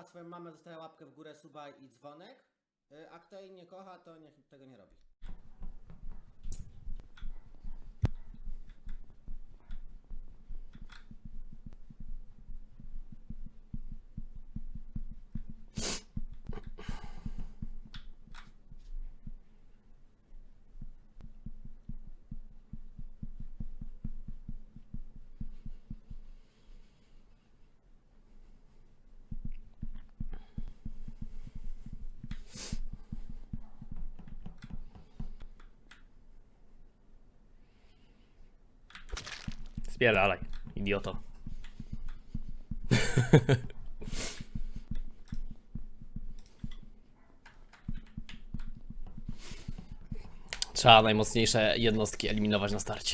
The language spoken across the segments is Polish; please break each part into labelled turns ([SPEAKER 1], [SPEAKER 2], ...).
[SPEAKER 1] kocha swoją mamę, zostawia łapkę w górę, suba i dzwonek. A kto jej nie kocha, to niech tego nie robi.
[SPEAKER 2] Spierdalaj, idioto. Trzeba najmocniejsze jednostki eliminować na starcie.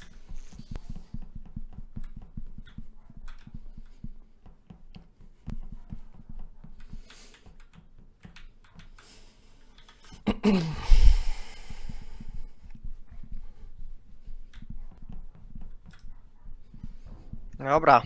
[SPEAKER 3] Dobra.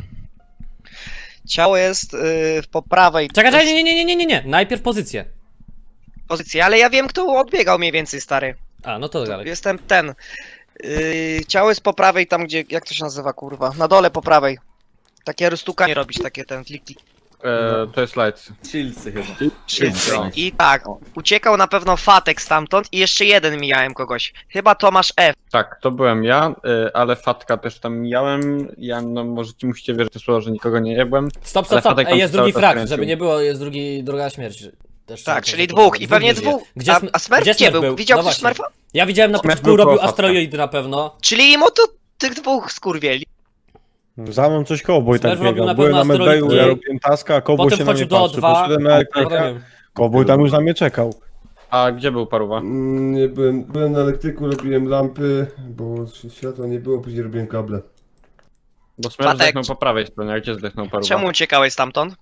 [SPEAKER 3] Ciało jest po prawej
[SPEAKER 2] Czekaj, nie. Najpierw pozycję.
[SPEAKER 3] pozycji, ale ja wiem, kto odbiegał mniej więcej, stary.
[SPEAKER 2] A, no to dalej.
[SPEAKER 3] Jestem ten. Ciało jest po prawej, tam gdzie, jak to się nazywa, kurwa? Na dole po prawej. Takie roztukanie robić, takie ten klik.
[SPEAKER 4] To jest light.
[SPEAKER 5] Chillcy chyba.
[SPEAKER 3] I tak, uciekał na pewno Fatek stamtąd i jeszcze jeden mijałem kogoś. Chyba Tomasz F.
[SPEAKER 4] Tak, to byłem ja, ale Fatka też tam mijałem. Ja, no musicie wierzyć słowo, że nikogo nie jebłem.
[SPEAKER 2] Stop.
[SPEAKER 4] Ale Fatek tam
[SPEAKER 2] Ej, jest
[SPEAKER 4] cały
[SPEAKER 2] drugi
[SPEAKER 4] czas
[SPEAKER 2] frag,
[SPEAKER 4] kręcił.
[SPEAKER 2] żeby nie było, jest druga śmierć. Też
[SPEAKER 3] Tak,
[SPEAKER 2] trzeba
[SPEAKER 3] czyli
[SPEAKER 2] to
[SPEAKER 3] dwóch. I pewnie
[SPEAKER 2] nie żyje.
[SPEAKER 3] dwóch.
[SPEAKER 2] Gdzie
[SPEAKER 3] A Smurf gdzie był? Widział
[SPEAKER 2] No
[SPEAKER 3] ktoś
[SPEAKER 2] właśnie.
[SPEAKER 3] Smurfa?
[SPEAKER 2] Ja widziałem na
[SPEAKER 4] Smurf
[SPEAKER 2] początku,
[SPEAKER 4] był
[SPEAKER 2] robił
[SPEAKER 4] koło Fatka.
[SPEAKER 2] asteroidy na pewno.
[SPEAKER 3] Czyli im to tych dwóch skurwieli.
[SPEAKER 6] Za mną coś Cowboy tak
[SPEAKER 2] Smurf robił
[SPEAKER 6] biegał.
[SPEAKER 2] na
[SPEAKER 6] Byłem
[SPEAKER 2] pewno
[SPEAKER 6] na medbayu,
[SPEAKER 2] asteroidy.
[SPEAKER 6] ja robiłem taska, a Cowboy
[SPEAKER 2] Potem
[SPEAKER 6] się na mnie
[SPEAKER 2] wchodził do
[SPEAKER 6] patrzy.
[SPEAKER 2] O2.
[SPEAKER 6] Poszedłem na elektrykę, Cowboy tam już na mnie czekał.
[SPEAKER 4] A gdzie był Paruwa?
[SPEAKER 7] Nie byłem na elektryku, robiłem lampy, bo światła nie było, później robiłem kable.
[SPEAKER 4] Bo Smurf
[SPEAKER 3] Fatek.
[SPEAKER 4] zdechnął po prawej stronie, a gdzie zdechnął Paruwa?
[SPEAKER 3] Czemu uciekałeś stamtąd?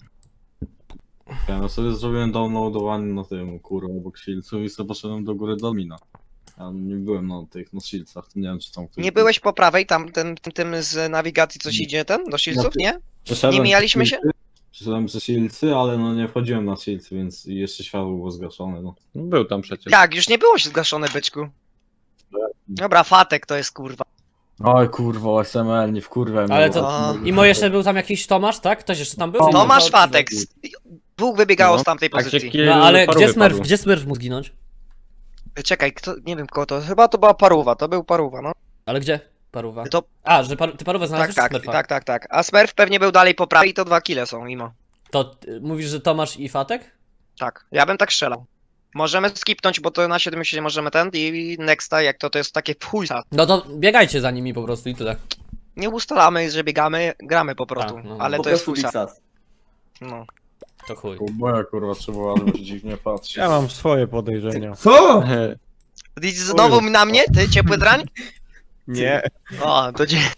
[SPEAKER 5] Ja no sobie zrobiłem downloadowany na tym, kurwa, obok Shieldsów i sobie poszedłem do góry do mina. Ja nie byłem na tych, na Shieldsach, nie wiem czy tam ktoś
[SPEAKER 3] Nie
[SPEAKER 5] był.
[SPEAKER 3] byłeś po prawej, tam tym z nawigacji coś idzie ten, do Shieldsów, nie?
[SPEAKER 5] Przeszedłem
[SPEAKER 3] nie mijaliśmy się?
[SPEAKER 5] Przeszedłem przez Shieldsy, ale no nie wchodziłem na Shieldsy, więc jeszcze światło było zgaszone, no.
[SPEAKER 4] Był tam przecież.
[SPEAKER 3] Jak, już nie było się zgaszone, byczku. Dobra, Fatek to jest kurwa.
[SPEAKER 5] Oj kurwa, SML, nie wkurwę mnie.
[SPEAKER 2] Ale
[SPEAKER 5] bo-
[SPEAKER 2] to... Imo jeszcze był tam jakiś Tomasz, tak? Ktoś jeszcze tam był?
[SPEAKER 3] Tomasz Fatek. Dwóch wybiegało
[SPEAKER 4] No,
[SPEAKER 3] z tamtej
[SPEAKER 4] A gdzie
[SPEAKER 3] pozycji.
[SPEAKER 4] kill
[SPEAKER 2] No ale
[SPEAKER 4] Parówy
[SPEAKER 2] gdzie Smurf?
[SPEAKER 4] padł?
[SPEAKER 2] Gdzie Smurf mógł zginąć?
[SPEAKER 3] Czekaj, kto, nie wiem kogo to, chyba to była Paruwa, to był Paruwa, no.
[SPEAKER 2] Ale gdzie? Paruwa.
[SPEAKER 3] To,
[SPEAKER 2] A, że ty Parówę
[SPEAKER 3] tak,
[SPEAKER 2] znalazłeś
[SPEAKER 3] tak,
[SPEAKER 2] czy Smurfa?
[SPEAKER 3] tak. A Smurf pewnie był dalej po prawej i to 2 kile są, mimo.
[SPEAKER 2] To mówisz, że Tomasz i Fatek?
[SPEAKER 3] Tak, ja bym tak strzelał. Możemy skipnąć, bo to na 70 możemy ten i nexta, jak to jest takie pchujsa.
[SPEAKER 2] No to biegajcie za nimi po prostu i tyle.
[SPEAKER 3] Nie ustalamy, że biegamy, gramy po prostu,
[SPEAKER 2] Tak, no.
[SPEAKER 3] ale
[SPEAKER 5] Po
[SPEAKER 3] to jest
[SPEAKER 5] prostu
[SPEAKER 3] pchujsa.
[SPEAKER 5] Dixas.
[SPEAKER 3] No.
[SPEAKER 2] To chuj.
[SPEAKER 5] Boja kurwa, trzeba bardzo dziwnie patrzeć.
[SPEAKER 6] Ja mam swoje podejrzenia.
[SPEAKER 7] Co?
[SPEAKER 3] I znowu na mnie, ty ciepły drań?
[SPEAKER 6] Nie.
[SPEAKER 3] O, to dzie...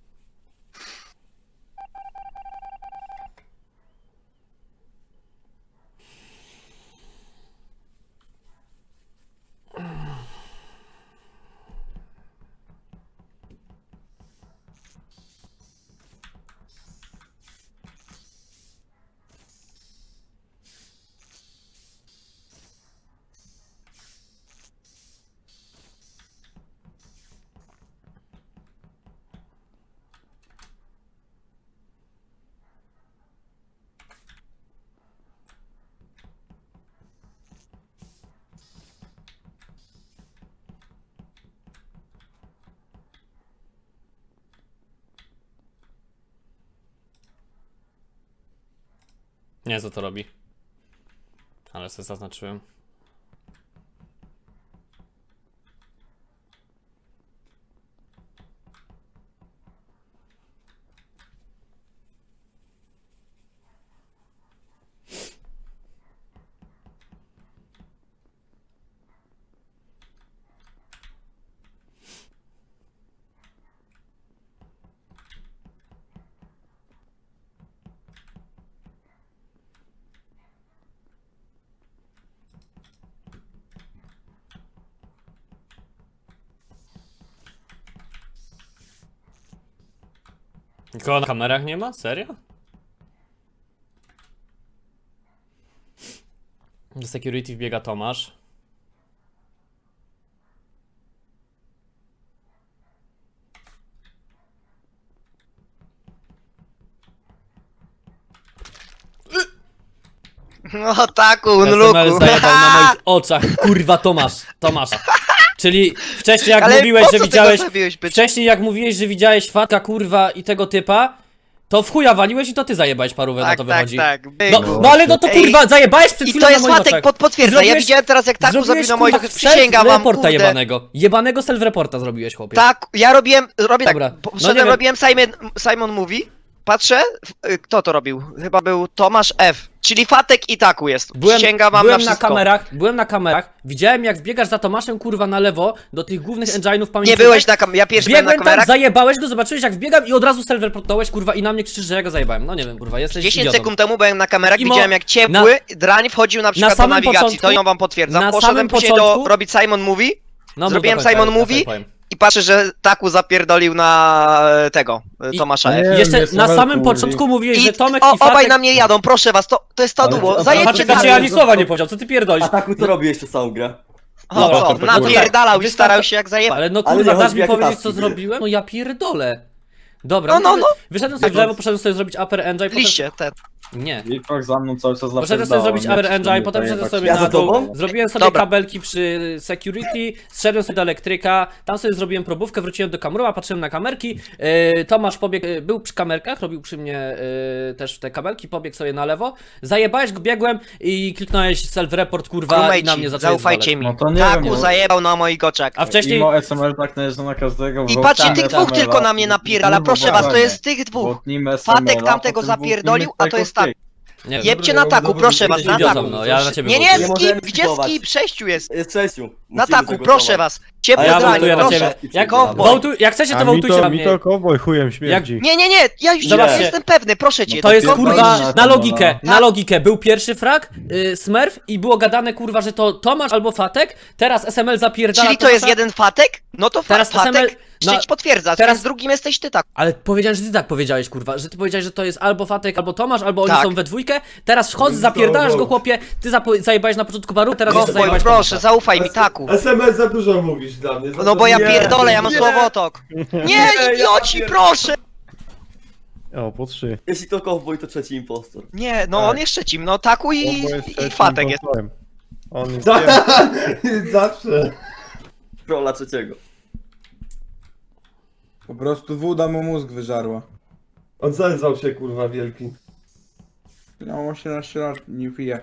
[SPEAKER 2] Nie, co to robi. Ale sobie zaznaczyłem. Nikogo na kamerach nie ma? Serio? Do security wbiega Tomasz.
[SPEAKER 3] No taku,
[SPEAKER 2] SML
[SPEAKER 3] unluku.
[SPEAKER 2] zajebał na moich oczach, kurwa Tomasz. Czyli wcześniej jak
[SPEAKER 3] Ale
[SPEAKER 2] mówiłeś,
[SPEAKER 3] po
[SPEAKER 2] że
[SPEAKER 3] co
[SPEAKER 2] widziałeś...
[SPEAKER 3] tego zabiłeś, bycz?
[SPEAKER 2] Wcześniej jak mówiłeś, że widziałeś Fatka, kurwa i tego typa, to w chuja waliłeś i to ty zajebałeś parówę, na
[SPEAKER 3] Tak,
[SPEAKER 2] to
[SPEAKER 3] tak,
[SPEAKER 2] wychodzi.
[SPEAKER 3] tak.
[SPEAKER 2] No,
[SPEAKER 3] byku.
[SPEAKER 2] no ale no to
[SPEAKER 3] Ej,
[SPEAKER 2] kurwa, zajebałeś przed
[SPEAKER 3] I
[SPEAKER 2] chwilą
[SPEAKER 3] to
[SPEAKER 2] na
[SPEAKER 3] jest
[SPEAKER 2] moich
[SPEAKER 3] Fatek,
[SPEAKER 2] oczach.
[SPEAKER 3] potwierdza. Ja widziałem teraz jak taku zabił
[SPEAKER 2] zrobiłeś,
[SPEAKER 3] na moich
[SPEAKER 2] kurwa,
[SPEAKER 3] oczach. Przysięgam wam,
[SPEAKER 2] self-reporta
[SPEAKER 3] kurde.
[SPEAKER 2] jebanego self-reporta zrobiłeś, chłopie.
[SPEAKER 3] Tak, ja robię
[SPEAKER 2] Dobra,
[SPEAKER 3] tak,
[SPEAKER 2] no
[SPEAKER 3] poszedłem,
[SPEAKER 2] nie wiem.
[SPEAKER 3] robiłem Simon Mówi, patrzę, kto to robił? Chyba był Tomasz F, czyli Fatek i Taku jest. Przysięgam wam
[SPEAKER 2] byłem
[SPEAKER 3] na wszystko.
[SPEAKER 2] byłem na kamerach, widziałem jak wbiegasz za Tomaszem, kurwa, na lewo, do tych głównych engine'ów pamięci.
[SPEAKER 3] Nie byłeś na kamerach, ja pierwszy byłem na
[SPEAKER 2] Biegłem tam,
[SPEAKER 3] kamerach.
[SPEAKER 2] zajebałeś go, zobaczyłeś jak wbiegam i od razu self-reportowałeś, kurwa, i na mnie krzyczysz, że ja go zajebałem. No nie wiem, kurwa, jesteś
[SPEAKER 3] 10
[SPEAKER 2] idiotą.
[SPEAKER 3] sekund temu byłem na kamerach,
[SPEAKER 2] Imo-
[SPEAKER 3] widziałem jak ciepły drań wchodził na przykład do
[SPEAKER 2] samym
[SPEAKER 3] nawigacji,
[SPEAKER 2] początku-
[SPEAKER 3] to ją wam potwierdzam.
[SPEAKER 2] na
[SPEAKER 3] Poszedłem
[SPEAKER 2] samym
[SPEAKER 3] później
[SPEAKER 2] początku-
[SPEAKER 3] robić Simon Mówi
[SPEAKER 2] No,
[SPEAKER 3] zrobiłem
[SPEAKER 2] mów do końca,
[SPEAKER 3] Simon
[SPEAKER 2] ja
[SPEAKER 3] Mówi.
[SPEAKER 2] sobie powiem.
[SPEAKER 3] i patrzę, że Taku zapierdolił na tego,
[SPEAKER 2] I-
[SPEAKER 3] Tomasza
[SPEAKER 6] Nie,
[SPEAKER 3] F.
[SPEAKER 2] Jeszcze
[SPEAKER 6] jest
[SPEAKER 2] na
[SPEAKER 6] Sewel,
[SPEAKER 2] samym
[SPEAKER 6] kurwa.
[SPEAKER 2] początku mówiłeś,
[SPEAKER 3] I
[SPEAKER 2] że Tomek i
[SPEAKER 3] obaj
[SPEAKER 2] Fatek...
[SPEAKER 3] na mnie jadą, proszę was, to jest to
[SPEAKER 5] Ale-
[SPEAKER 3] duo,
[SPEAKER 5] a-
[SPEAKER 3] zajebcie
[SPEAKER 2] Fatek ci
[SPEAKER 3] Taku.
[SPEAKER 2] ani słowa nie powiedział, co ty pierdolisz?
[SPEAKER 8] A tak to robiłeś tę całą grę.
[SPEAKER 3] O,
[SPEAKER 2] Dobra,
[SPEAKER 3] co,
[SPEAKER 2] kurwa.
[SPEAKER 3] napierdalał i
[SPEAKER 2] Wystarczy-
[SPEAKER 3] starał się jak zajebać.
[SPEAKER 2] Ale no
[SPEAKER 8] Ale
[SPEAKER 2] kurwa,
[SPEAKER 8] nie
[SPEAKER 2] dasz
[SPEAKER 8] chodzi,
[SPEAKER 2] mi
[SPEAKER 8] jakie
[SPEAKER 2] powiedzieć
[SPEAKER 8] taski
[SPEAKER 2] co
[SPEAKER 8] były.
[SPEAKER 2] zrobiłem? No ja pierdolę. Dobra,
[SPEAKER 3] No.
[SPEAKER 2] Wyszedłem sobie w lewo, poszedłem sobie zrobić upper engine,
[SPEAKER 3] Liście, te.
[SPEAKER 2] Nie.
[SPEAKER 5] Wilkox za mną cały czas
[SPEAKER 2] Poszedłem sobie zrobić upper engine, potem szedłem sobie
[SPEAKER 8] Ja
[SPEAKER 2] na
[SPEAKER 8] za
[SPEAKER 2] dół,
[SPEAKER 8] tobą?
[SPEAKER 2] zrobiłem sobie
[SPEAKER 3] Dobra.
[SPEAKER 2] kabelki przy security, zszedłem sobie do elektryka, tam sobie zrobiłem probówkę, wróciłem do kameruła, patrzyłem na kamerki, Tomasz pobiegł, był przy kamerkach, robił przy mnie też te kabelki, pobiegł sobie na lewo, zajebałeś go, biegłem i kliknąłeś self-report, kurwa, i na mnie
[SPEAKER 3] Crewmate'ci,
[SPEAKER 2] zacząłeś
[SPEAKER 3] zaufajcie mi.
[SPEAKER 5] No to nie
[SPEAKER 3] Taku
[SPEAKER 5] wiem, bo-
[SPEAKER 3] zajebał na moich oczach.
[SPEAKER 2] A wcześniej...
[SPEAKER 5] Imo SML tak najeżdża na każdego.
[SPEAKER 3] I
[SPEAKER 5] bo
[SPEAKER 3] patrzcie,
[SPEAKER 5] team
[SPEAKER 3] tych dwóch
[SPEAKER 5] SML-a,
[SPEAKER 3] tylko na mnie napierdala,
[SPEAKER 5] kurwa,
[SPEAKER 3] proszę was, to
[SPEAKER 5] błaganie.
[SPEAKER 3] jest tych
[SPEAKER 5] Bo
[SPEAKER 3] dwóch.
[SPEAKER 5] team SML-a,
[SPEAKER 3] Fatek tamtego
[SPEAKER 5] potem dwóch
[SPEAKER 3] zapierdolił,
[SPEAKER 5] team
[SPEAKER 3] a to jest
[SPEAKER 5] Take-Off
[SPEAKER 3] tak.
[SPEAKER 2] Nie wiem,
[SPEAKER 3] Jebcie na taku, proszę was,
[SPEAKER 2] jesteś
[SPEAKER 3] na
[SPEAKER 2] idiotą,
[SPEAKER 3] taku.
[SPEAKER 2] no, ja na ciebie
[SPEAKER 3] Nie,
[SPEAKER 2] wołtuję.
[SPEAKER 3] nie,
[SPEAKER 8] możemy
[SPEAKER 3] skip, gdzie
[SPEAKER 8] skipować.
[SPEAKER 3] skip? 6 jest.
[SPEAKER 8] Jest 6.
[SPEAKER 3] Na taku, proszę was. Ciepły
[SPEAKER 2] A ja
[SPEAKER 3] drań,
[SPEAKER 2] wołtuję na
[SPEAKER 3] proszę.
[SPEAKER 2] ciebie. Jak,
[SPEAKER 3] Cowboy.
[SPEAKER 2] jak chcecie, to
[SPEAKER 6] A mi
[SPEAKER 2] wołtujcie na
[SPEAKER 6] mi
[SPEAKER 2] mnie.
[SPEAKER 6] to cowboy chujem śmierdzi.
[SPEAKER 3] Nie, ja już
[SPEAKER 2] Zobaczcie.
[SPEAKER 3] jestem pewny, proszę cię.
[SPEAKER 2] To jest
[SPEAKER 5] pierdolę
[SPEAKER 2] kurwa
[SPEAKER 5] na
[SPEAKER 2] na
[SPEAKER 5] to,
[SPEAKER 2] logikę,
[SPEAKER 3] no.
[SPEAKER 2] na logikę. Był pierwszy frag, Smurf i było gadane kurwa, że to Tomasz albo Fatek, teraz SML zapierdala
[SPEAKER 3] Czyli to jest
[SPEAKER 2] Tomasza.
[SPEAKER 3] jeden Fatek? No to
[SPEAKER 2] Teraz
[SPEAKER 3] Fatek
[SPEAKER 2] SML
[SPEAKER 3] trzeci potwierdza,
[SPEAKER 2] teraz-
[SPEAKER 3] więc drugim jesteś ty tak.
[SPEAKER 2] Ale powiedziałem, że ty tak powiedziałeś kurwa, że ty powiedziałeś, że to jest albo Fatek, albo Tomasz, albo oni
[SPEAKER 3] Tak.
[SPEAKER 2] są we dwójkę. Teraz wchodzisz, zapierdalasz go chłopie, ty zajebałeś na początku baru, teraz jeszcze
[SPEAKER 3] Cowboy,
[SPEAKER 2] zajebałeś
[SPEAKER 3] proszę,
[SPEAKER 2] Tomasza.
[SPEAKER 3] zaufaj mi, taku.
[SPEAKER 7] SMS za dużo mówisz dla mnie. za
[SPEAKER 3] No bo ja
[SPEAKER 7] dużo.
[SPEAKER 3] pierdolę, ja mam słowotok. Nie, idioci, proszę!
[SPEAKER 6] O, po 3.
[SPEAKER 8] Jeśli to cowboy, to trzeci impostor.
[SPEAKER 3] Nie, no
[SPEAKER 6] Tak.
[SPEAKER 3] on jest trzecim, no taku i Fatek jest.
[SPEAKER 6] On jest...
[SPEAKER 7] Zawsze.
[SPEAKER 8] Rola trzeciego.
[SPEAKER 9] Po prostu woda mu mózg wyżarła.
[SPEAKER 7] On zezwał się kurwa wielki.
[SPEAKER 9] Miał 18 lat, nie pije.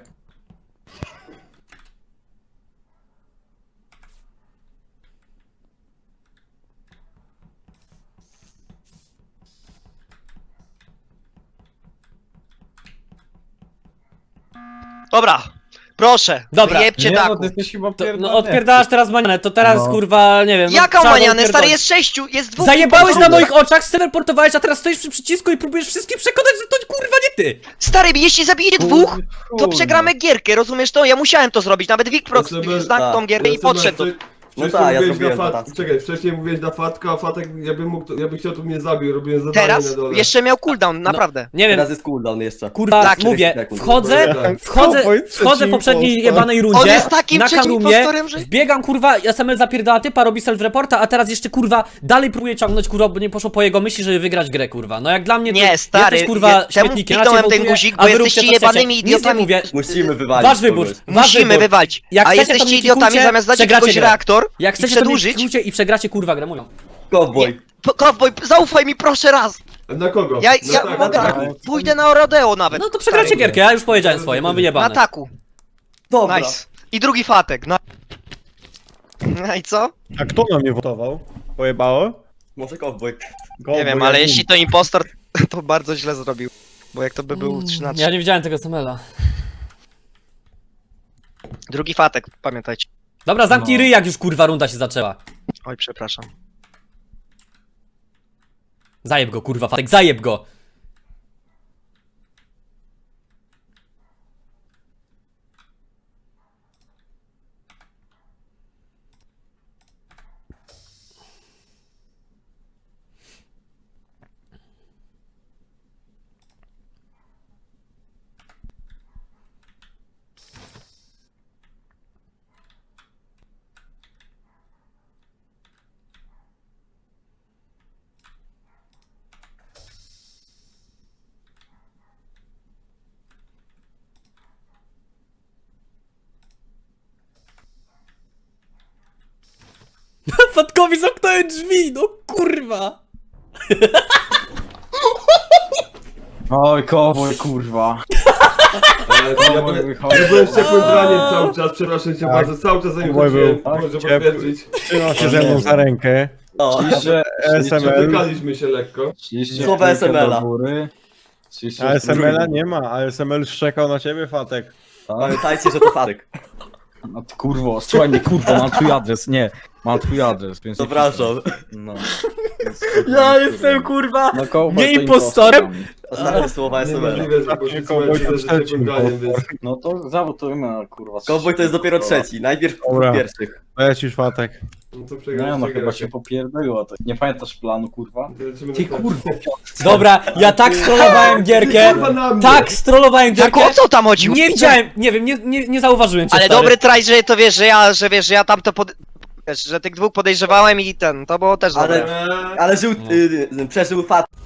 [SPEAKER 3] Dobra, proszę,
[SPEAKER 2] Dobra.
[SPEAKER 3] wyjebcie
[SPEAKER 4] Nie,
[SPEAKER 3] taku.
[SPEAKER 4] no ty jesteś chyba
[SPEAKER 2] To,
[SPEAKER 4] pierdolony.
[SPEAKER 2] no odpierdalasz teraz manianę, to teraz
[SPEAKER 4] No.
[SPEAKER 2] kurwa, nie wiem. no,
[SPEAKER 3] Jaka
[SPEAKER 2] trzeba
[SPEAKER 3] manianę, stary,
[SPEAKER 2] odpierdolić.
[SPEAKER 3] jest 6, jest dwóch.
[SPEAKER 2] Zajebałeś na
[SPEAKER 3] impostorów.
[SPEAKER 2] moich oczach, teleportowałeś, a teraz stoisz przy przycisku i próbujesz wszystkich przekonać, że to kurwa nie ty!
[SPEAKER 3] Jeśli jeśli zabijecie dwóch, to przegramy gierkę, rozumiesz to? Ja musiałem to zrobić, nawet Wikprox
[SPEAKER 7] SMS
[SPEAKER 3] znał tą gierkę i podszedł.
[SPEAKER 8] No tak, ja
[SPEAKER 7] mówiłeś
[SPEAKER 8] zrobiłem
[SPEAKER 7] na
[SPEAKER 8] to, tak.
[SPEAKER 7] Czekaj, wcześniej mówiłeś na Fatka, a Fatek, ja bym chciał, tu mnie zabił, robiłem zadanie
[SPEAKER 3] Teraz
[SPEAKER 7] na dole.
[SPEAKER 3] jeszcze miał cooldown, naprawdę.
[SPEAKER 2] Nie wiem,
[SPEAKER 8] Teraz jest cooldown jeszcze.
[SPEAKER 2] kurwa,
[SPEAKER 3] Tak,
[SPEAKER 2] mówię,
[SPEAKER 8] 40 sekund.
[SPEAKER 2] wchodzę
[SPEAKER 6] Cowboy,
[SPEAKER 2] w
[SPEAKER 6] trzeci
[SPEAKER 2] poprzedniej
[SPEAKER 6] impostor.
[SPEAKER 2] jebanej
[SPEAKER 3] On
[SPEAKER 2] rundzie,
[SPEAKER 3] jest takim
[SPEAKER 2] na
[SPEAKER 3] trzecim
[SPEAKER 2] karumie,
[SPEAKER 3] impostorem, że...
[SPEAKER 2] wbiegam kurwa, SML zapierdala typa, robi self-reporta, a teraz jeszcze kurwa dalej próbuje ciągnąć kurwa, bo nie poszło po jego myśli, żeby wygrać grę kurwa. No jak dla mnie to
[SPEAKER 3] Nie, stary,
[SPEAKER 2] jesteś kurwa
[SPEAKER 3] temu
[SPEAKER 2] śmietnikiem, ja cię
[SPEAKER 3] kliknąłem ten
[SPEAKER 2] wołtuję,
[SPEAKER 3] guzik,
[SPEAKER 2] a
[SPEAKER 3] bo
[SPEAKER 2] wy róbcie,
[SPEAKER 3] jesteście
[SPEAKER 2] co chcecie.
[SPEAKER 3] jebanymi
[SPEAKER 2] Nic nie
[SPEAKER 3] idiotami.
[SPEAKER 2] mówię,
[SPEAKER 8] Musimy wywalić
[SPEAKER 2] wasz wybór,
[SPEAKER 8] kogoś.
[SPEAKER 2] wasz
[SPEAKER 3] Musimy
[SPEAKER 2] wybór.
[SPEAKER 3] wywalić.
[SPEAKER 2] Jak
[SPEAKER 3] A
[SPEAKER 2] chcecie, to
[SPEAKER 3] jesteście
[SPEAKER 2] mnie
[SPEAKER 3] idiotami,
[SPEAKER 2] klikujcie,
[SPEAKER 3] zamiast dać
[SPEAKER 2] przegracie
[SPEAKER 3] jakiegoś
[SPEAKER 2] grę.
[SPEAKER 3] reaktor
[SPEAKER 2] Jak
[SPEAKER 3] i
[SPEAKER 2] chcecie, to mnie
[SPEAKER 3] przedłużyć.
[SPEAKER 2] klikujcie i przegracie kurwa grę, mówią.
[SPEAKER 8] Cowboy.
[SPEAKER 3] Cowboy, zaufaj mi proszę raz.
[SPEAKER 7] Na kogo?
[SPEAKER 3] Ja
[SPEAKER 7] tak,
[SPEAKER 3] mogę,
[SPEAKER 7] tak.
[SPEAKER 3] pójdę na rodeo nawet.
[SPEAKER 2] No to przegracie gierkę, ja już powiedziałem swoje, mam
[SPEAKER 3] Na
[SPEAKER 2] wyjebane.
[SPEAKER 3] taku.
[SPEAKER 8] Dobra.
[SPEAKER 3] Nice. I drugi Fatek, no. No i co?
[SPEAKER 6] A kto na mnie wotował? Pojebało?
[SPEAKER 8] Może cowboy.
[SPEAKER 3] Nie wiem, ale jeśli to impostor, to bardzo źle zrobił. Bo jak to by był 3 na 3.
[SPEAKER 2] Ja nie widziałem tego SML-a.
[SPEAKER 3] Drugi Fatek, pamiętajcie.
[SPEAKER 2] Dobra, zamknij ryj, jak już kurwa runda się zaczęła.
[SPEAKER 3] Oj, przepraszam.
[SPEAKER 2] Zajeb go kurwa, Fatek, zajeb go! Fatekowi zamknąłem drzwi, no kurwa!
[SPEAKER 5] Oj, kowboj, kurwa.
[SPEAKER 7] Ja byłem z ciepłym braniem cały czas, przepraszam cię bardzo, cały czas za nim
[SPEAKER 6] Mój
[SPEAKER 7] chodziłem,
[SPEAKER 6] był
[SPEAKER 7] może
[SPEAKER 6] ciepły.
[SPEAKER 7] potwierdzić.
[SPEAKER 6] Trzymał się ze mną za rękę.
[SPEAKER 8] O,
[SPEAKER 6] SML.
[SPEAKER 7] Dotykaliśmy się lekko.
[SPEAKER 8] Słowa SML-a.
[SPEAKER 6] A SML-a nie ma, a SML szczekał na ciebie, Fatek.
[SPEAKER 8] Pamiętajcie, że to Fatek.
[SPEAKER 5] No ty kurwo, słuchaj mnie kurwa, mam twój adres, nie. Mam twój adres, więc... nie
[SPEAKER 8] Zapraszam.
[SPEAKER 5] piszę. No. Więc, kurwa,
[SPEAKER 2] Ja
[SPEAKER 5] nie
[SPEAKER 2] jestem
[SPEAKER 5] kurwa.
[SPEAKER 2] kurwa
[SPEAKER 5] No, kowboj
[SPEAKER 2] nie
[SPEAKER 5] to
[SPEAKER 2] impostorem.
[SPEAKER 8] Ostatnie słowa SML-a.
[SPEAKER 7] Niemożliwe, że poszli
[SPEAKER 6] Kowboj
[SPEAKER 7] słuchać
[SPEAKER 6] to
[SPEAKER 7] ze ciepłym
[SPEAKER 6] trzeci
[SPEAKER 7] braniem, więc...
[SPEAKER 5] No to zawodujmy na kurwa.
[SPEAKER 8] Cowboy to jest dopiero trzeci, najpierw
[SPEAKER 6] Dobra.
[SPEAKER 8] pierwszych.
[SPEAKER 6] Lecisz, Fatek.
[SPEAKER 7] No to
[SPEAKER 5] Nie
[SPEAKER 7] przegraliście
[SPEAKER 5] no, chyba
[SPEAKER 7] grę.
[SPEAKER 5] się popierdoliło. To. Nie pamiętasz planu, kurwa?
[SPEAKER 7] Lecimy
[SPEAKER 5] Ty
[SPEAKER 7] na
[SPEAKER 5] kurwa.
[SPEAKER 2] Dobra, ja tak strollowałem gierkę.
[SPEAKER 7] Kurwa na mnie.
[SPEAKER 2] Tak strollowałem
[SPEAKER 3] Jak
[SPEAKER 2] gierkę.
[SPEAKER 3] o co tam chodziło?
[SPEAKER 2] Nie widziałem, nie wiem, nie zauważyłem cię,
[SPEAKER 3] Ale
[SPEAKER 2] stary.
[SPEAKER 3] dobry traj, że to wiesz, że ja tam to wiesz, że tych dwóch podejrzewałem i ten, to było też dobre.
[SPEAKER 8] Ale żył, przeżył Fat.